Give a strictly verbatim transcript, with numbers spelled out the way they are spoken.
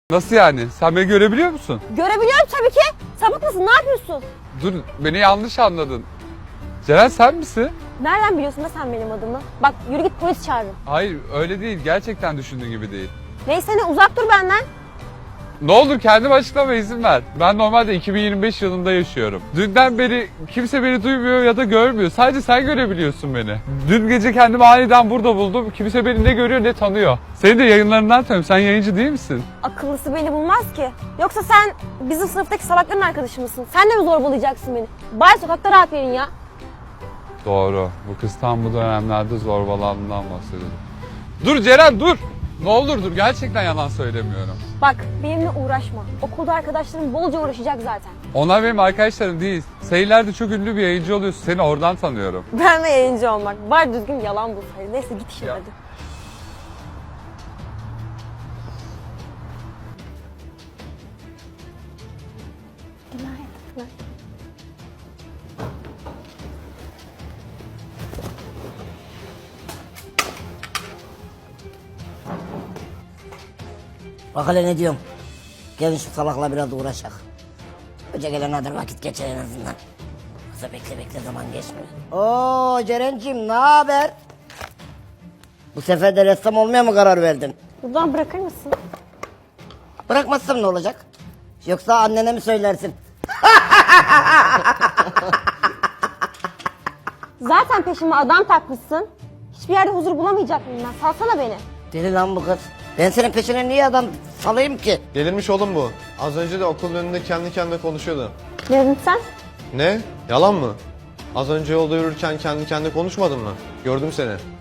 Nasıl yani? Sen beni görebiliyor musun? Görebiliyorum tabii ki. Sapık mısın? Ne yapıyorsun? Dur, beni yanlış anladın. Ceren sen misin? Nereden biliyorsun da sen benim adımı? Bak yürü git, polis çağırırım. Hayır, öyle değil. Gerçekten düşündüğün gibi değil. Neyse ne, uzak dur benden. Ne olur kendim açıklama izin ver. Ben normalde iki bin yirmi beş yılında yaşıyorum. Dünden beri kimse beni duymuyor ya da görmüyor. Sadece sen görebiliyorsun beni. Dün gece kendimi aniden burada buldum. Kimse beni ne görüyor ne tanıyor. Seni de yayınlarından tanıyorum. Sen yayıncı değil misin? Akıllısı beni bulmaz ki. Yoksa sen bizim sınıftaki salakların arkadaşı mısın? Sen de mi zorbalayacaksın beni? Bari sokakta rahat verin ya. Doğru. Bu kız tam bu dönemlerde zorbalandığından bahsediyordu. Dur Ceren dur. Ne olur dur. Gerçekten yalan söylemiyorum. Bak benimle uğraşma. Okulda arkadaşlarım bolca uğraşacak zaten. Onlar benim arkadaşlarım değil. Sayılarda çok ünlü bir yayıncı oluyorsun. Seni oradan tanıyorum. Ben de yayıncı olmak. Bari düzgün yalan bulsaydın. Neyse git işine Ya. hadi. Günaydın. Bak hele ne diyorum. Gelin şu salakla biraz uğraşak. Hoca gelene kadar vakit geçer en azından. Yoksa bekle bekle zaman geçmiyor. Oo Ceren'cim ne haber? Bu sefer de ressam olmaya mı karar verdin? Buradan bırakır mısın? Bırakmazsam ne olacak? Yoksa annene mi söylersin? Zaten peşime adam takmışsın. Hiçbir yerde huzur bulamayacak mıyım ben? Salsana beni. Deli lan bu kız. Ben senin peşine niye adam salayım ki? Delirmiş oğlum bu. Az önce de okulun önünde kendi kendine konuşuyordu. Ne dedin sen? Ne? Yalan mı? Az önce yolda yürürken kendi kendine konuşmadın mı? Gördüm seni.